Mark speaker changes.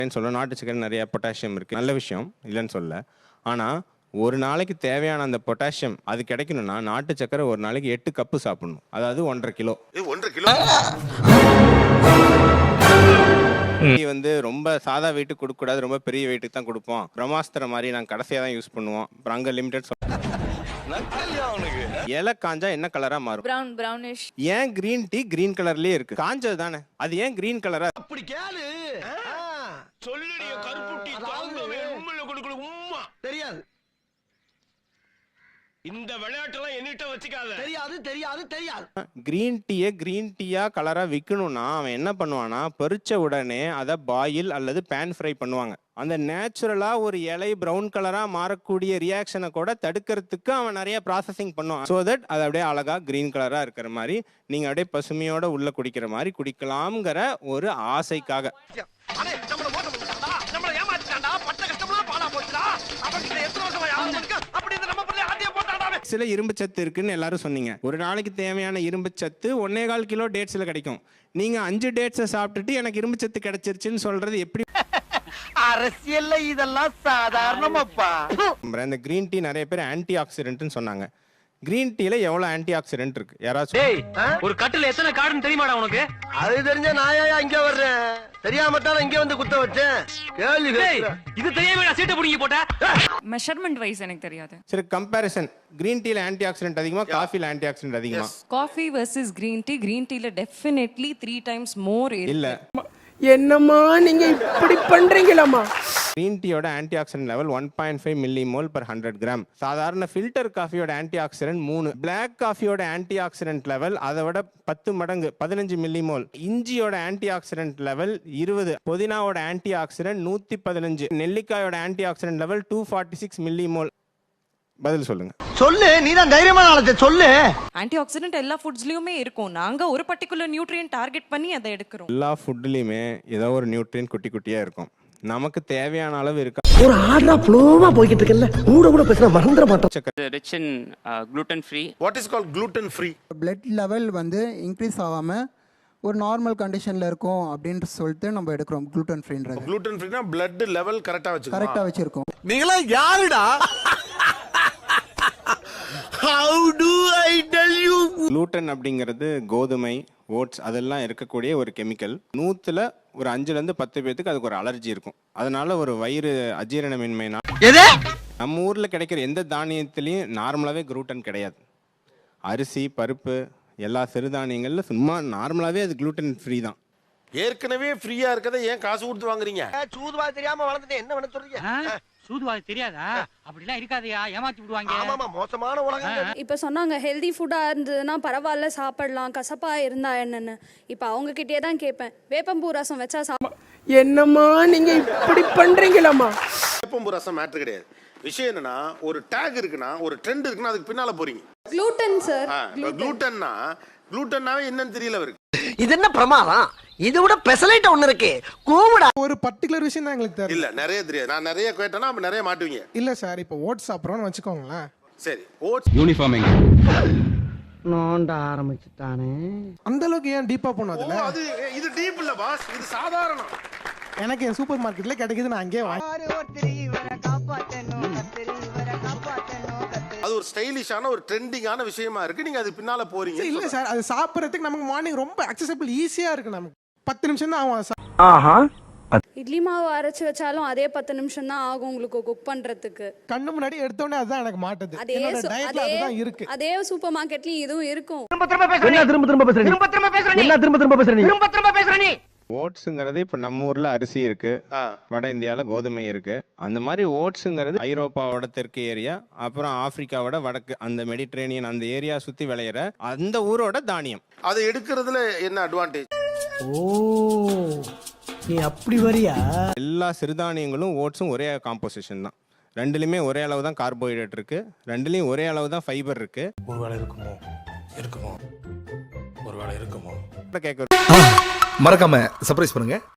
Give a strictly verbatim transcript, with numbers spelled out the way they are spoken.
Speaker 1: சொல்ல நாட்டு சக்கரை நிறைய பொட்டாசியம் இருக்கு, நல்ல விஷயம் இல்லைன்னு சொல்ல. ஆனா ஒரு நாளைக்கு தேவையான அந்த பொட்டாசியம் அது கிடைக்கணும்னா நாட்டு சக்கரை ஒரு நாளைக்கு எட்டு கப்பு சாப்பிடணும், அதாவது ஒன்றரை கிலோ.
Speaker 2: ஒன்றரை கிலோ
Speaker 1: வந்து ரொம்ப சாதா வெயிட் கொடுக்க கூடாது, ரொம்ப பெரிய வெயிட்டுக்கு தான் கொடுப்போம். பிரம்மாஸ்திர மாதிரி நாங்கள் கடைசியாக தான் யூஸ் பண்ணுவோம். அங்க லிமிடெட் இலை காஞ்சா என்ன கலரா மாறும்?
Speaker 3: Brown brownish.
Speaker 1: ஏன் கிரீன் டீ கிரீன் கலர்லயே இருக்கு? காஞ்சது தானே, அது ஏன் கிரீன் கலரா?
Speaker 2: அப்படி கேளு சொல்லுடிய கருப்பு டீ தாங்கவே உம்மையில கொடுக்கல உம்மா தெரியாது. இந்த விளையாட்டெல்லாம் என்னிட்ட வச்சுக்காத. தெரியாது தெரியாது தெரியாது.
Speaker 1: கிரீன் டீயை கிரீன் டீயா கலரா விற்கணும்னா அவன் என்ன பண்ணுவானா, பறிச்ச உடனே அதை பாயில் அல்லது பேன் ஃப்ரை பண்ணுவாங்க. அந்த நேச்சுரலா ஒரு இலை பிரவுன் கலரா மாறக்கூடிய ரியாக்ஷனை கூட தடுக்கிறதுக்கு அவன் நிறைய ப்ராசஸிங் பண்ணுவான். ஸோ தட் அது அப்படியே அழகா கிரீன் கலரா இருக்கிற மாதிரி நீங்க அப்படியே பசுமையோட உள்ள குடிக்கிற மாதிரி குடிக்கலாம்ங்கிற ஒரு ஆசைக்காக. சில இரும்பு சத்து இருக்குன்னு எல்லாரும் சொன்னீங்க. ஒரு நாளைக்கு தேவையான இரும்பு சத்து ஒன்னே கால் கிலோ டேட்ஸ்ல கிடைக்கும். நீங்க அஞ்சு டேட்ஸை சாப்பிட்டுட்டு எனக்கு இரும்பு சத்து கிடைச்சிருச்சுன்னு சொல்றது எப்படி?
Speaker 4: அரசியல்ல இதெல்லாம் சாதாரணமாப்பா.
Speaker 1: இந்த கிரீன் டீ நிறைய பேர் ஆன்டி ஆக்சிடென்ட்னு சொன்னாங்க. கிரீன் டீல எவ்வளவு ஆன்டி ஆக்சிடென்ட் இருக்கு யாராச்சும்?
Speaker 4: ஒரு கட்டில எத்தனை கார்டுன்னு தெரியுமாடா உனக்கு?
Speaker 2: அது தெரிஞ்ச நாயா இங்க வர்றேன், தெரியாம தான் இங்க வந்து குத்த வச்சேன். கேள்வி
Speaker 4: இது தெரியாம நான் சீட்டை புடிங்கி போட்டேன்.
Speaker 3: மெஷர்மென்ட் வைஸ் எனக்கு தெரியாது.
Speaker 1: சரி, கம்பேரிசன் கிரீன் டீல ஆன்டி ஆக்சிடென்ட் அதிகமா, காஃபில ஆன்டி ஆக்சிடென்ட் அதிகமா?
Speaker 3: Coffee versus green tea, green டீல டெஃபினெட்லி த்ரீ டைம்ஸ் மோர்
Speaker 1: இல்ல.
Speaker 5: என்னம்மா நீங்க இப்படி பண்றீங்களாமா?
Speaker 1: கிரீன் டீயோட antioxidant level one point five millimole per hundred gram. சாதாரண ஃபில்டர் காஃபியோட ஆன்டி ஆக்சிடென்ட் மூணு. பிளாக் காஃபியோட ஆன்டி ஆக்சிடென்ட் லெவல் அதை விட பத்து மடங்கு, பதினஞ்சு மில்லி மோல். இஞ்சியோட ஆன்டி ஆக்சிடென்ட் லெவல் இருபது. புதினாவோட ஆன்டி ஆக்சிடென்ட் நூத்தி பதினஞ்சு. நெல்லிக்காயோட antioxidant level two forty six millimole. பதில் சொல்லுங்க.
Speaker 4: சொல்லு, நீ தான் தைரியமான ஆளு, சொல்லு.
Speaker 3: ஆன்டி ஆக்சிடென்ட் எல்லா ஃபுட்ஸ்லயுமே இருக்கும். நாங்க ஒரு பர்టిక్యులர் நியூட்ரியன்ட் டார்கெட் பண்ணி அதை எடுக்கிறோம்.
Speaker 1: எல்லா ஃபுட்லயுமே ஏதோ ஒரு நியூட்ரியன் குட்டி குட்டியா இருக்கும். நமக்கு தேவையான அளவு இருக்கா?
Speaker 5: ஒரு ஆர்டரா ஃப்ளோவா போயிட்டு இருக்கல, கூட கூட பேசினா மறந்துட மாட்டோம்.
Speaker 6: Rich in gluten free.
Speaker 2: What is called gluten free?
Speaker 7: Blood level வந்து இன்க்ரீஸ் ஆகாம ஒரு நார்மல் கண்டிஷன்ல இருக்கும் அப்படின்னு சொல்லிட்டு நம்ம எடுக்கிறோம் gluten freeன்றது.
Speaker 2: gluten freeனா blood level கரெக்ட்டா வச்சுக்கோ.
Speaker 7: கரெக்ட்டா வச்சிருக்கோம்.
Speaker 2: நீங்களா யாருடா? How do I tell you?
Speaker 1: gluten அப்படிங்கிறது கோதுமை, ஓட்ஸ் அதெல்லாம் இருக்கக்கூடிய ஒரு கெமிக்கல். நூத்துல ஒரு அஞ்சுல இருந்து பத்து பேருக்கு அதுக்கு ஒரு அலர்ஜி இருக்கும். அதனால ஒரு வயிறு அஜீரணமின்மைனா நம்ம ஊர்ல கிடைக்கிற எந்த தானியத்திலையும் நார்மலாவே gluten கிடையாது. அரிசி, பருப்பு, எல்லா சிறுதானியங்கள்ல சும்மா நார்மலாவே அது gluten ஃப்ரீ தான்.
Speaker 2: ஏற்கனவே ஃப்ரீயா இருக்கதை ஏன் காசு கொடுத்து வாங்குறீங்க?
Speaker 4: சூதுவா தெரியாம வளர்ந்துட்டு என்ன பண்ண சொல்றீங்க? சூதுவாது தெரியாதா? அப்படிலாம் இருக்காதயா, ஏமாத்தி விடுவாங்க. ஆமாமா, மோசமான உலகம்.
Speaker 8: இப்ப சொன்னாங்க ஹெல்தி ஃபுட்டா இருந்ததுன்னா பரவாயில்ல சாப்பிடலாம், கசப்பா இருந்தா என்னன்னு. இப்ப அவங்க கிட்டே தான் கேட்பேன், வேப்பம்பூ ரசம் வச்சா
Speaker 5: என்னம்மா நீங்க இப்படி பண்றீங்களாமா?
Speaker 2: வேப்பம்பூ ரசம் மேட்டர் கிடையாது. விஷயம் என்னன்னா, ஒரு டேக் இருக்குன்னா, ஒரு ட்ரெண்ட் இருக்குன்னா அதுக்கு பின்னால போறீங்க.
Speaker 8: gluten சார்,
Speaker 2: gluten-னா gluten-னாவே என்னன்னு தெரியல அவருக்கு.
Speaker 4: இது என்ன பிரமாதம்? இது விட பெசலைட் ஒன்னு இருக்கு, கூவுடா.
Speaker 9: ஒரு பர்టిక్యులர் விஷயம் தான் எங்களுக்கு தெரியும்.
Speaker 2: இல்ல, நிறைய தெரியாது. நான் நிறைய கேட்டேன்னா அப்ப நிறைய மாட்டுவீங்க.
Speaker 9: இல்ல சார், இப்போ ஓட்ஸ் சாப்பிடுறோம்னு வச்சுக்கோங்களேன்.
Speaker 2: சரி, ஓட்ஸ்
Speaker 6: யூனிஃபார்மிங்
Speaker 5: நோண்ட ஆரம்பிச்சுட்டானே.
Speaker 9: அந்த அளவுக்கு ஏன் டீப்பா போனோம் அதுல?
Speaker 2: அது இது டீப் இல்ல பாஸ், இது சாதாரணம்.
Speaker 9: எனக்கு என் சூப்பர் மார்க்கெட்ல கிடைக்குது, நான் அங்கேயே வாங்கி.
Speaker 2: அது ஒரு ஸ்டைலிஷான ஒரு ட்ரெண்டிங்கான விஷயமா இருக்கு. நீங்க அது பின்னால போறீங்க.
Speaker 9: இல்ல சார், அது சாப்பிடுறதுக்கு நமக்கு மார்னிங் ரொம்ப அக்சஸபிள், ஈஸியா இருக்கு. நமக்கு பத்து நிமிஷம் தான் ஆகும்.
Speaker 5: ஆஹா,
Speaker 8: இட்லி மாவு அரைச்சு வச்சாலும் அதே பத்து நிமிஷம் தான் ஆகும் உங்களுக்கு குக் பண்றதுக்கு.
Speaker 9: கண்ணு முன்னாடி எடுத்தோடனே அதுதான் எனக்கு மாட்டுது.
Speaker 8: அதே
Speaker 9: என்னோட டயட்ல அதுதான் இருக்கு.
Speaker 8: அதே சூப்பர் மார்க்கெட்லயும் இதுவும் இருக்கும்.
Speaker 4: திரும்ப திரும்ப பேசுறீங்க. என்ன திரும்ப திரும்ப பேசுறீங்க? திரும்ப திரும்ப பேசுறீங்க. என்ன திரும்ப திரும்ப பேசுறீங்க? திரும்ப திரும்ப பேசுறீங்க.
Speaker 1: ஓட்ஸுங்கிறது இப்போ நம்ம ஊர்ல அரிசி இருக்கு, வட இந்தியாவில் கோதுமை இருக்கு. அந்த மாதிரி ஓட்ஸுங்கிறது ஐரோப்பாவோட தெற்கு ஏரியா, அப்புறம் ஆப்பிரிக்காவோட வடக்கு, அந்த மெடிட்ரேனியன் அந்த ஏரியா சுத்தி விளையிற அந்த ஊரோட தானியம்.
Speaker 2: அதை எடுக்கிறதுல என்ன அட்வான்டேஜ்?
Speaker 5: ஓ நீ அப்படி வரியா?
Speaker 1: எல்லா சிறுதானியங்களும் ஓட்ஸும் ஒரே காம்போசிஷன் தான். ரெண்டுலையுமே ஒரே அளவு தான் கார்போஹைட்ரேட் இருக்கு, ரெண்டுலையும் ஒரே அளவு தான் ஃபைபர் இருக்கு.
Speaker 10: ஒருவேளை இருக்குமோ இருக்குமோ ஒருவேளை இருக்குமோ
Speaker 1: கேட்க
Speaker 10: மறக்காம சர்ப்ரைஸ் பண்ணுங்க.